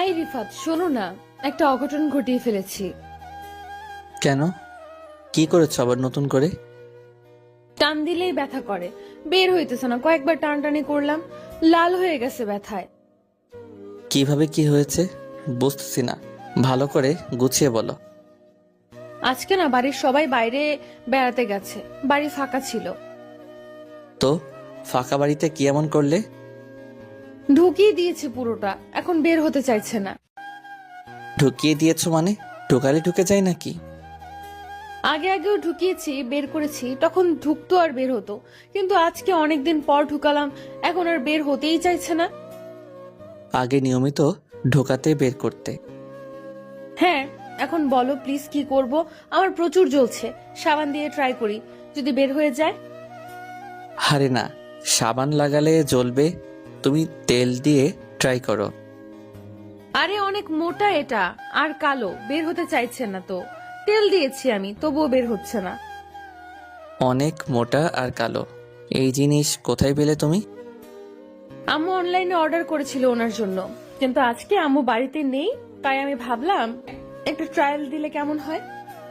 এই রিফাত, শোনো না, একটা অঘটন ঘটিয়ে ফেলেছি। কেন? কি করেছ আবার নতুন করে? টান দিলেই ব্যথা করে, বের হইতেছে না। কয়েকবার টানটানি করলাম, লাল হয়ে গেছে ব্যথায়। কিভাবে কি হয়েছে বুঝতেছি না, ভালো করে গুছিয়ে বলো। আজকে না বাড়ির সবাই বাইরে বেড়াতে গেছে, বাড়ি ফাঁকা ছিল। তো ফাঁকা বাড়িতে কি এমন করলে? ঢুকিয়ে দিয়েছে পুরোটা, এখন বের হতে চাইছে না। ঢুকিয়ে দিয়েছো মানে? ঢোকালে ঢুকে যায় নাকি? আগে আগেও ঢুকিয়েছি, বের করেছি, তখন ঢুকতো আর বের হতো। কিন্তু আজকে অনেকদিন পর ঢুকালাম, এখন আর বের হতেই চাইছে না। আগে নিয়মিত ঢোকাতে বের করতে। হ্যাঁ, এখন বলো প্লিজ, কি করব? আমার প্রচুর জ্বলছে, সাবান দিয়ে ট্রাই করি, যদি বের হয়ে যায়। আরে না, সাবান লাগালে জ্বলবে, তুমি তেল দিয়ে ট্রাই করো। আরে অনেক মোটা এটা, আর কালো, বের হতে চাইছে না তো। তেল দিয়েছি আমি, তবুও বের হচ্ছে না। অনেক মোটা আর কালো, এই জিনিস কোথায় পেলে তুমি? আম্মু অনলাইনে অর্ডার করেছিল ওনার জন্য, কিন্তু আজকে আম্মু বাড়িতে নেই, তাই আমি ভাবলাম একটা ট্রায়াল দিলে কেমন হয়।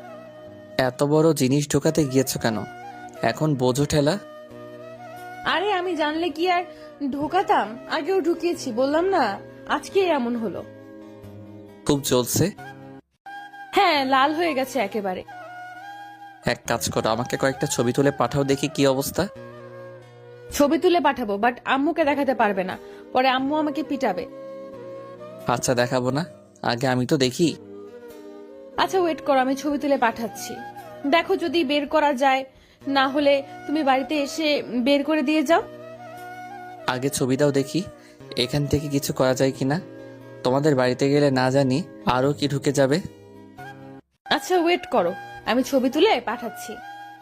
এত বড় জিনিস ঢোকাতে গিয়েছো কেন? এখন বোঝো ঠেলা। আরে আমি জানলে কি আর ঢোকাতাম? আগেও ঢুকিয়েছি, বললাম না, আজকে এমন হলো। খুব জ্বলছে? হ্যাঁ, লাল হয়ে গেছে একেবারে। এক কাজ করো, আমাকে কয়েকটা ছবি তুলে পাঠাও দেখি কি অবস্থা। ছবি তুলে পাঠাবো, বাট আম্মুকে দেখাতে পারবে না, পরে আম্মু আমাকে পিটাবে। আচ্ছা দেখাবো না, আগে আমি তো দেখি। আচ্ছা ওয়েট করো, আমি ছবি তুলে পাঠাচ্ছি। দেখো যদি বের করা যায়, না হলে তুমি বাড়িতে এসে বের করে দিয়ে যাও। আগে ছবিটাও দেখি, এখান থেকে কিছু করা যায় কিনা। তোমাদের বাড়িতে গেলে না জানি আরো কি ঢুকে যাবে। আচ্ছা ওয়েট করো, আমি ছবি তুলে পাঠাচ্ছি।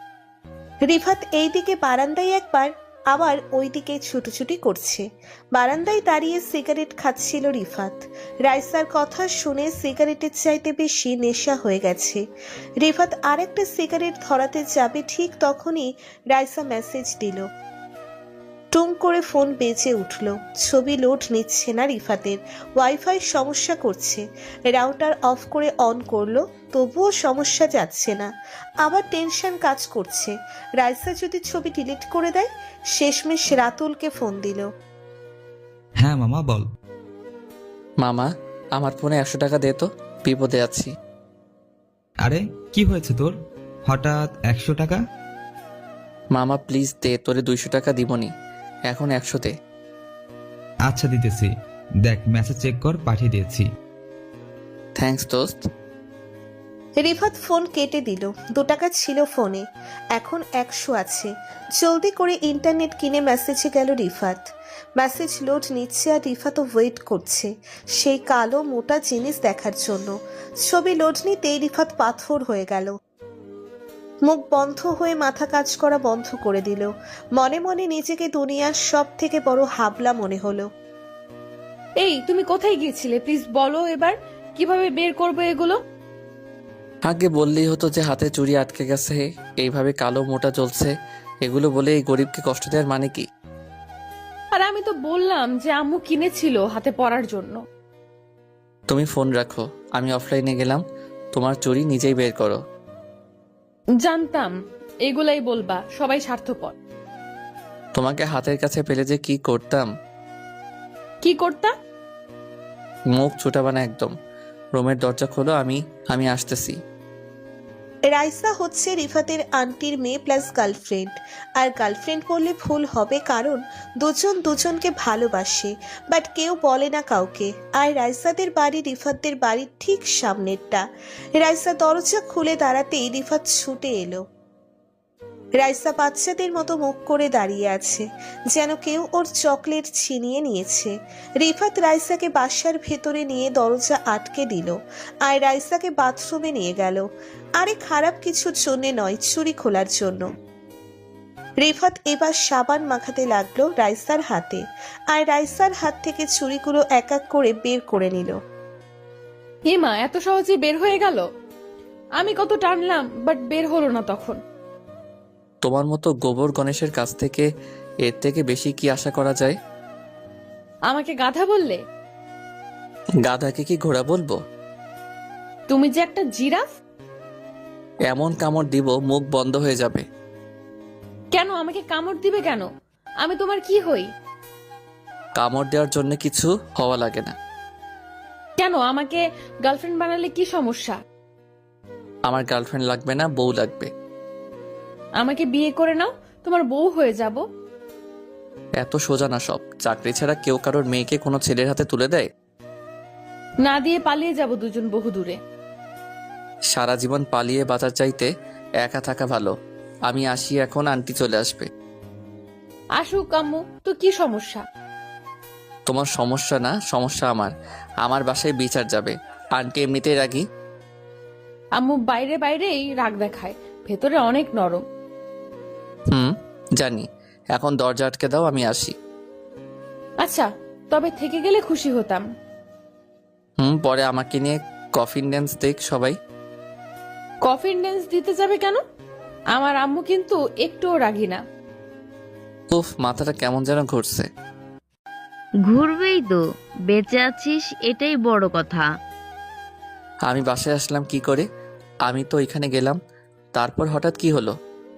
রিফাত এইদিকে বারান্দায় একবার, আবার ওইদিকে ছুটোছুটি করছে। বারান্দায় দাঁড়িয়ে সিগারেট খাচ্ছিল রিফাত। রাইসার কথা শুনে সিগারেটের চাইতে বেশি নেশা হয়ে গেছে। রিফাত আরেকটা সিগারেট ধরাতে যাবে, ঠিক তখনই রাইসা মেসেজ দিল। টুং করে ফোন বেজে উঠল। ছবি লোড নিচ্ছে না রিফাতের, ওয়াইফাই সমস্যা করছে। রাউটার অফ করে অন করলো, তবুও সমস্যা যাচ্ছে না। আবার টেনশন কাজ করছে, রাইসা যদি ছবি ডিলিট করে দেয়। শেষমেশ রাতুলকে ফোন দিল। হ্যাঁ মামা বল। মামা, আমার ফোনে 100 টাকা দে তো, বিপদে আছি। আরে কি হয়েছে তোর, হঠাৎ 100 টাকা? মামা প্লিজ দে, তোরে 200 টাকা দিবনি, এখন 100 দে। আচ্ছা দিতেছি, দেখ মেসেজ চেক কর, পাঠিয়ে দিয়েছি। থ্যাঙ্কস দোস্ত। রিফাত ফোন কেটে দিল। 2 টাকা ছিল ফোনে, এখন 100 আছে। জলদি করে ইন্টারনেট কিনে মেসেজে গেল রিফাত। মেসেজ লোড নিচ্ছে আর রিফাতও ওয়েট করছে সেই কালো মোটা জিনিস দেখার জন্য। ছবি লোড নিতেই রিফাত পাথর হয়ে গেল। মুখ বন্ধ হয়ে মাথা কাজ করা বন্ধ করে দিল। মনে মনে নিজেকে দুনিয়ার সব থেকে বড় হাবলা মনে হলো। এই তুমি কোথায় গিয়েছিলে, প্লিজ বলো এবার, কিভাবে বের করবো এগুলো? আগে বললেই হতো যে হাতে চুড়ি আটকে গেছে, এইভাবে কালো মোটা জ্বলছে, এগুলো বলে এই গরিবকে কষ্ট দেওয়ার মানে কি? আর আমি তো বললাম যে আম্মু কিনেছিল হাতে পরার জন্য। তুমি ফোন রাখো, আমি অফলাইনে গেলাম, তোমার চুড়ি নিজেই বের করো। জানতাম এগুলাই বলবা, সবাই স্বার্থপর। তোমাকে হাতের কাছে পেলে যে কি করতাম। কি করতা? মুখ ছুটাবা না একদম। রুমের দরজা খোলো, আমি আসতেছি। রাইসা হচ্ছে রিফাতের আন্টির মেয়ে প্লাস গার্লফ্রেন্ড। আর গার্লফ্রেন্ড বললে ভুল হবে, কারণ দুজন দুজনকে ভালোবাসে, বাট কেউ বলে না কাউকে। আর রাইসাদের বাড়ি রিফাতদের বাড়ির ঠিক সামনেরটা। রাইসা দরজা খুলে দাঁড়াতেই রিফাত ছুটে এলো। রাইসা বাচ্চাদের মতো মুখ করে দাঁড়িয়ে আছে, যেন কেউ ওর চকলেট ছিনিয়ে নিয়েছে। রিফাত রাইসাকে বাসার ভেতরে নিয়ে দরজা আটকে দিল, আর রাইসাকে বাথরুমে নিয়ে গেল। আরে খারাপ কিছুর জন্য নয়, চুরি খোলার জন্য। রিফাত এবার সাবান মাখাতে লাগলো রাইসার হাতে, আর রাইসার হাত থেকে চুড়িগুলো এক এক করে বের করে নিল। হিমা, এত সহজে বের হয়ে গেল? আমি কত টানলাম, বাট বের হলো না তখন। তোমার মতো গোবর গণেশের কাছ থেকে এর থেকে বেশি কি আশা করা যায়? আমাকে গাধা বললে? গাধাকে কি ঘোড়া বলবো? তুমি যে একটা জিরাফ। এমন কামড় দিব মুখ বন্ধ হয়ে যাবে। কেন আমাকে কামড় দিবে কেন? আমি তোমার কি হই? কামড় দেওয়ার জন্য কিছু হওয়া লাগে না। কেন আমাকে গার্লফ্রেন্ড বানালে কি সমস্যা? আমার গার্লফ্রেন্ড লাগবে না, বউ লাগবে। আমাকে বিয়ে করে নাও, তোমার বউ হয়ে যাব। এত সোজা না সব। চাকরি ছাড়া কেউ কারোর মেয়েকে কোনো ছেলের হাতে তুলে দেয়? না দিয়ে পালিয়ে যাব দুজন বহু দূরে। সারা জীবন পালিয়ে বাঁচার চাইতে একা থাকা ভালো। আমি আসি এখন, আন্টি চলে আসবে। আসুক আম্মু, তো কি সমস্যা? তোমার সমস্যা না, সমস্যা আমার। আমার বাসায় বিচার যাবে। আন্টি এমনিতেই রাগী। আম্মু বাইরে বাইরেই রাগ দেখায়, ভেতরে অনেক নরম। জানি। এখন দরজা আটকে দাও, আমি আসি। আচ্ছা, তবে থেকে গেলে খুশি হতাম। পরে আমাকে নিয়ে কফিন ড্যান্স দেখ সবাই। কফিন ড্যান্স দিতে যাবে কেন? আমার আম্মু কিন্তু একটুও রাগি না। উফ, মাথাটা কেমন যেন ঘুরছে। ঘুরবেই তো, বেঁচে আছিস এটাই বড় কথা। আমি বাসায় আসলাম কি করে? আমি তো এখানে গেলাম, তারপর হঠাৎ কি হলো?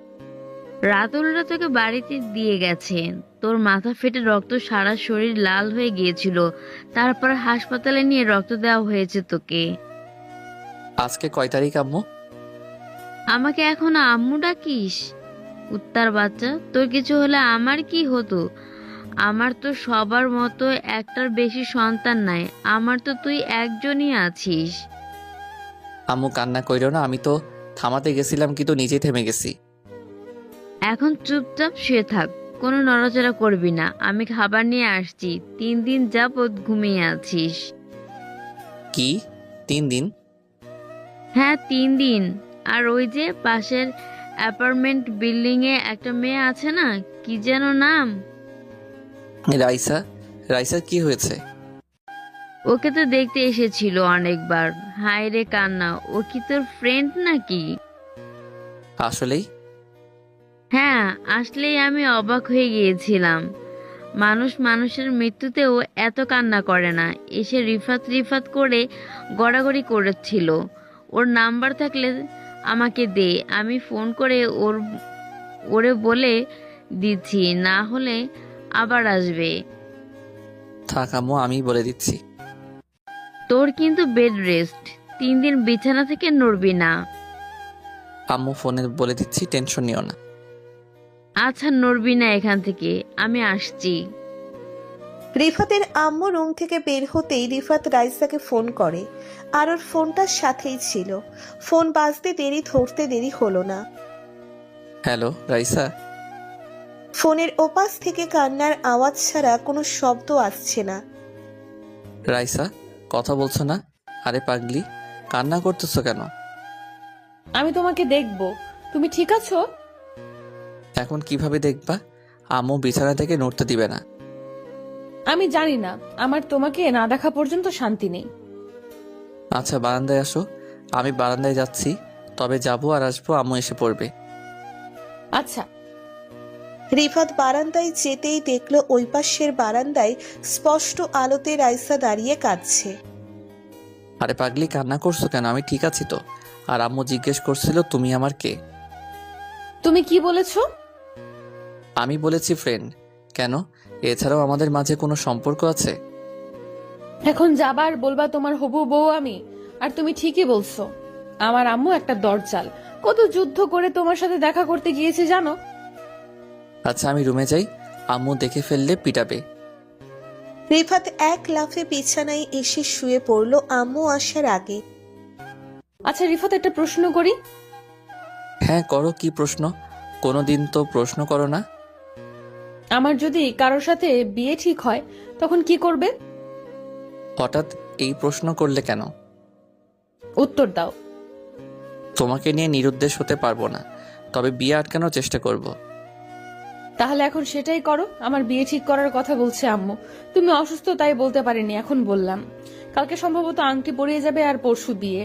রাতুলরা তোকে বাড়িতে দিয়ে গেছে। তোর মাথা ফেটে রক্ত সারা শরীর লাল হয়ে গিয়েছিল, তারপর হাসপাতালে নিয়ে রক্ত দেওয়া হয়েছে তোকে। আজকে কয় তারিখ আম্মু? আমাকে এখন আম্মু ডাকিস? কুত্তার বাচ্চা, তোর কিছু হলে আমার কি হতো? আমার তো সবার মতো একটার বেশি সন্তান নাই, আমার তো তুই একজনই আছিস। আম্মু কান্না কইরো না, আমি তো থামাতে গেছিলাম কিন্তু নিজেই থেমে গেছি। এখন চুপচাপ শুয়ে থাক, কোনো নড়াচড়া করবি না। আমি খাবার নিয়ে আসছি। 3 দিন যাবৎ ঘুমিয়ে আছিস। কি 3 দিন? হ্যাঁ 3 দিন। আর ওই যে পাশের অ্যাপার্টমেন্ট বিল্ডিং এ একটা মেয়ে আছে না, কি যেন নাম? রাইসা? রাইসার কি হয়েছে? ওকে তো দেখতে এসেছিল অনেকবার। হায় রে কান্না, ও কি তোর ফ্রেন্ড নাকি? আসলেই? হ্যাঁ, আসলেই আমি অবাক হয়ে গিয়েছিলাম। মানুষ মানুষের মৃত্যুতেও এত কান্না করে না। এসে রিফাত রিফাত করে গড়াগড়ি করেছিল। ওর নাম্বার থাকলে আমাকে দে, আমি ফোন করে ওরে বলে দিচ্ছি, না হলে আবার আসবে। থাক আম্মু, আমি বলে দিচ্ছি। তোর কিন্তু বেড রেস্ট, 3 দিন বিছানা থেকে নড়বি না। আম্মু ফোনে বলে দিচ্ছি, টেনশন নিও না। আচ্ছা, নড়বি না এখান থেকে, আমি আসছি। রিফাতের আম্মু রুম থেকে বের হতেই রিফাত রাইসাকে ফোন করে, আর ওর ফোনটার সাথেই ছিল। ফোন বাজতে ধরতে দেরি হলো না। হ্যালো রাইসা? ফোনের ওপাশ থেকে কান্নার আওয়াজ ছাড়া কোনো শব্দ আসছে না। রাইসা, কথা বলছো না? আরে পাগলি, কান্না করতেছো কেন? আমি তোমাকে দেখব। তুমি ঠিক আছো? এখন কিভাবে দেখবা? আম্মু বিছানা থেকে নড়তে দিবে না। আমি জানি না, আমার তোমাকে না দেখা পর্যন্ত শান্তি নেই। আচ্ছা বারান্দায় আসো। আমি বারান্দায় যাচ্ছি, তবে যাবো আর আসবো, আম্মু এসে পড়বে। আচ্ছা। রিফাত বারান্দায় যেতেই দেখলো ওই পাশের বারান্দায় স্পষ্ট আলোতে রাইসা দাঁড়িয়ে কাঁদছে। আরে পাগলি, কান্না করছো কেন? আমি ঠিক আছি তো। আর আম্মু জিজ্ঞেস করছিল তুমি আমার কে। তুমি কি বলেছো? আমি বলেছি ফ্রেন্ড। কেন, এছাড়াও আমাদের মাঝে কোনো সম্পর্ক আছে? এখন যাবার বলবা তোমার হবু বউ আমি, আর তুমি ঠিকই বলছো। আমার আম্মু একটা দরজাল, কত যুদ্ধ করে তোমার সাথে দেখা করতে গিয়েছে জানো। আচ্ছা আমি রুমে যাই, আম্মু দেখে ফেললে পিটাবে। রিফাত এক লাফে বিছানায় এসে শুয়ে পড়লো আম্মু আসার আগে। আচ্ছা রিফাত, একটা প্রশ্ন করি। হ্যাঁ করো, কি প্রশ্ন? কোনোদিন তো প্রশ্ন করো না। আমার যদি কারোর সাথে বিয়ে ঠিক হয় তখন কি করবে? হঠাৎ এই প্রশ্ন করলে কেন? উত্তর দাও। তোমাকে নিয়ে নিরুদ্দেশ হতে পারবো না, তবে বিয়ে আটকানোর চেষ্টা করব। তাহলে এখন সেটাই করো। আমার বিয়ে ঠিক করার কথা বলছে আম্মু। তুমি অসুস্থ তাই বলতে পারিনি, এখন বললাম। কালকে সম্ভবত আংটি পরিয়ে যাবে আর পরশু বিয়ে।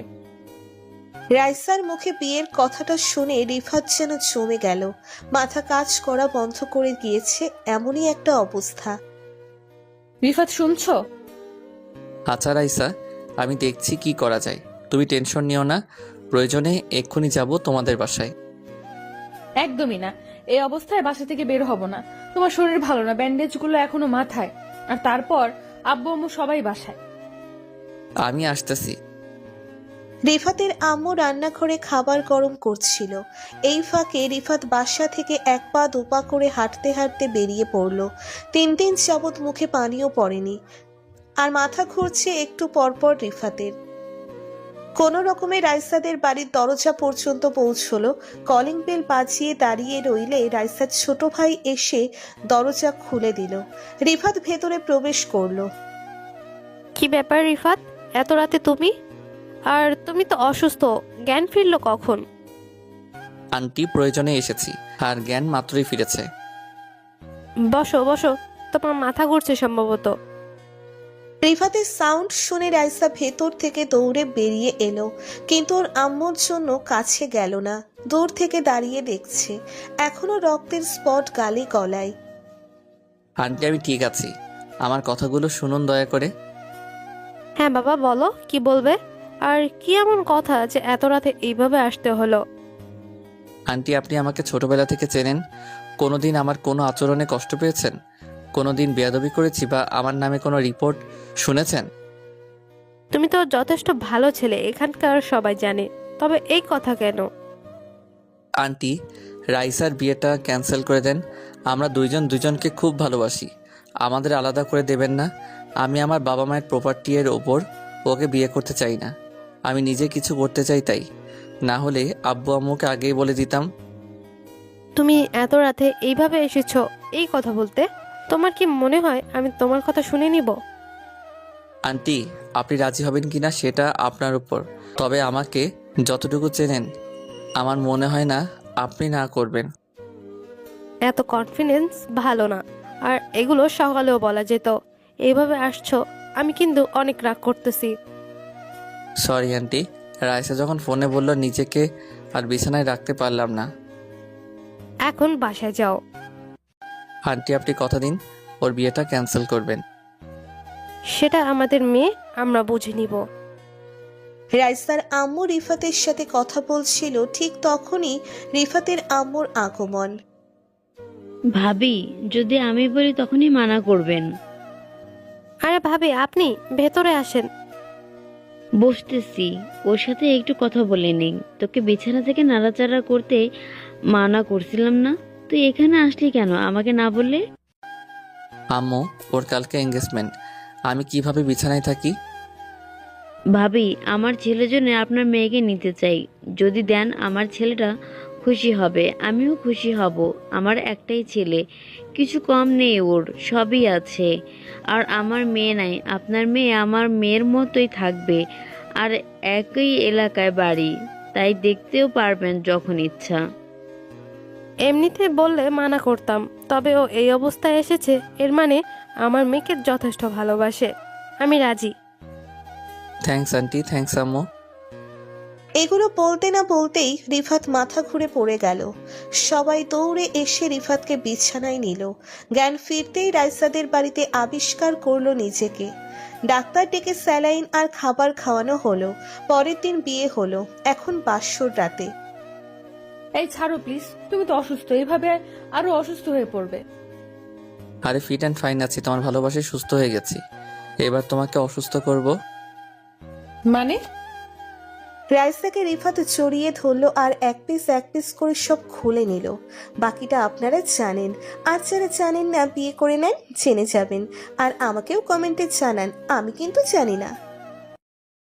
রাইসার মুখে বিয়ের কথাটা শুনে রিফাত যেন জমে গেল। মাথা কাজ করা বন্ধ করে গিয়েছে, এমনই একটা অবস্থা। রিফাত শুনছো? আচ্ছা রাইসা, আমি দেখছি কি করা যায়। তুমি টেনশন নিও না, প্রয়োজনে এক্ষুনি যাব তোমাদের বাসায়। একদমই না, এই অবস্থায় বাসা থেকে বের হব না। তোমার শরীর ভালো না, ব্যান্ডেজগুলো এখনো মাথায়, আর তারপর আব্বু আম্মু সবাই বাসায়। আমি আসতেছি। রিফাতের আম্মু রান্নাঘরে খাবার গরম করছিল। এই ফাঁকে রিফাত বাসা থেকে এক পা দুপা করে হাঁটতে হাঁটতে বেরিয়ে পড়ল। 3 দিন যাবৎ মুখে পানিও পড়েনি, আর মাথা ঘুরছে একটু পরপর রিফাতের। কোনো রকমে রাইসাদের বাড়ির দরজা পর্যন্ত পৌঁছলো। কলিং বেল বাজিয়ে দাঁড়িয়ে রইলে রাইসার ছোট ভাই এসে দরজা খুলে দিল। রিফাত ভেতরে প্রবেশ করলো। কি ব্যাপার রিফাত, এত রাতে তুমি? আর তুমি তো অসুস্থ, জ্ঞান ফিরলো কখন? আন্টি, প্রয়োজনে এসেছি, আর জ্ঞান মাত্রই ফিরেছে। বসো বসো, তোমার মাথা ঘুরছে সম্ভবত। রিফাতের সাউন্ড শুনে রাইসা ভেতর থেকে দৌড়ে বেরিয়ে এলো, কিন্তু ওর আম্মুর জন্য কাছে গেল না। দূর থেকে দাঁড়িয়ে দেখছে, এখনো রক্তের স্পট গালে গলায়। আন্টি, আমি ঠিক আছি, আমার কথাগুলো শুনুন দয়া করে। হ্যাঁ বাবা, বলো কি বলবে? আর কি এমন কথা যে এত রাতে এইভাবে আসতে হলো? আন্টি, আপনি আমাকে ছোটবেলা থেকে চেনেন। কোনোদিন আমার কোনো আচরণে কষ্ট পেয়েছেন? কোনোদিন বেয়াদবি করেছি বা আমার নামে কোনো রিপোর্ট শুনেছেন? তুমি তো যথেষ্ট ভালো ছেলে, এখানকার সবাই জানে। তবে এই কথা কেন? আন্টি, রাইসার বিয়েটা ক্যান্সেল করে দেন। আমরা দুইজন দুজনকে খুব ভালোবাসি, আমাদের আলাদা করে দেবেন না। আমি আমার বাবা মায়ের প্রপার্টি এর ওপর ওকে বিয়ে করতে চাই না। আমি নিজে কিছু করতে চাই, তাই না হলে আব্বু আম্মুকে আগেই বলে দিতাম। তুমি এত রাতে এইভাবে এসেছো এই কথা বলতে? তোমার কি মনে হয় আমি তোমার কথা শুনে নিব? আন্টি, আপনি রাজি হবেন কিনা সেটা আপনার উপর, তবে আমাকে যতটুকু চেনেন আমার মনে হয় না আপনি না করবেন। এত কনফিডেন্স ভালো না, আর এগুলো সকালেও বলা যেত। এইভাবে আসছো, আমি কিন্তু অনেক রাগ করতেছি। সরি আন্টি, রাইসা যখন ফোনে বলল নিজেকে আর বিছানায় রাখতে পারলাম না। এখন বাসায় যাও। আন্টি, আপনি কথা দিন ওর বিয়েটা ক্যান্সেল করবেন। সেটা আমাদের মেয়ে, আমরা বুঝে নিব। রাইসার আম্মু রিফাতের সাথে কথা বলছিল, ঠিক তখনই রিফাতের আম্মুর আগমন। ভাবি, যদি আমি বলি তখনই মানা করবেন। আরে ভাবি, আপনি ভেতরে আসেন। বসতেছি, ওর সাথে একটু কথা বলে নিই। তোকে বিছানা থেকে নাড়াচাড়া করতে মানা করছিলাম না? তুই এখানে আসলি কেন আমাকে না বললে? আম্মু, ওর কালকে এঙ্গেজমেন্ট, আমি কিভাবে বিছানায় থাকি? ভাবি, আমার ছেলের জন্য আপনার মেয়েকে নিতে চাই। যদি দেন আমার ছেলেটা খুশি হবে, আমিও খুশি হব। আমার একটাই ছেলে, কিছু কম নেই, ওর সবই আছে। আর আমার মেয়ে নাই, আপনার মেয়ে আমার মেয়ের মতোই থাকবে, আর একই এলাকায় বাড়ি, তাই দেখতেও পারবেন যখন ইচ্ছা। এমনিতে বললে মানা করতাম, তবে ও এই অবস্থায় এসেছে, এর মানে আমার মেয়েকে যথেষ্ট ভালোবাসে। আমি রাজি। থ্যাঙ্কস আন্টি, থ্যাঙ্কস আম্মু। এগুলো বলতে না বলতেই রিফাত মাথা ঘুরে পড়ে গেল। সবাই দৌড়ে এসে রিফাতকে বিছানায় নিল। জ্ঞান ফিরতেই রাইসাদের বাড়িতে আবিষ্কার করলো নিজেকে। ডাক্তার ডেকে স্যালাইন আর খাবার খাওয়ানো হলো। পরের দিন বিয়ে হলো, এখন বাসর রাতে। এই ছাড়ো প্লিজ, তুমি তো অসুস্থ, এইভাবে আরো অসুস্থ হয়ে পড়বে। আরে ফিট অ্যান্ড ফাইন আছি, তোমার ভালোবাসায় সুস্থ হয়ে গেছি। এবার তোমাকে অসুস্থ করব মানে? রাইসাকে রিফাত জড়িয়ে ধরলো আর এক পিস করে সব খুলে নিল। বাকিটা আপনারা জানেন, আর যারা জানেন না বিয়ে করে নেন, জেনে যাবেন। আর আমাকেও কমেন্টে জানান, আমি কিন্তু জানি না।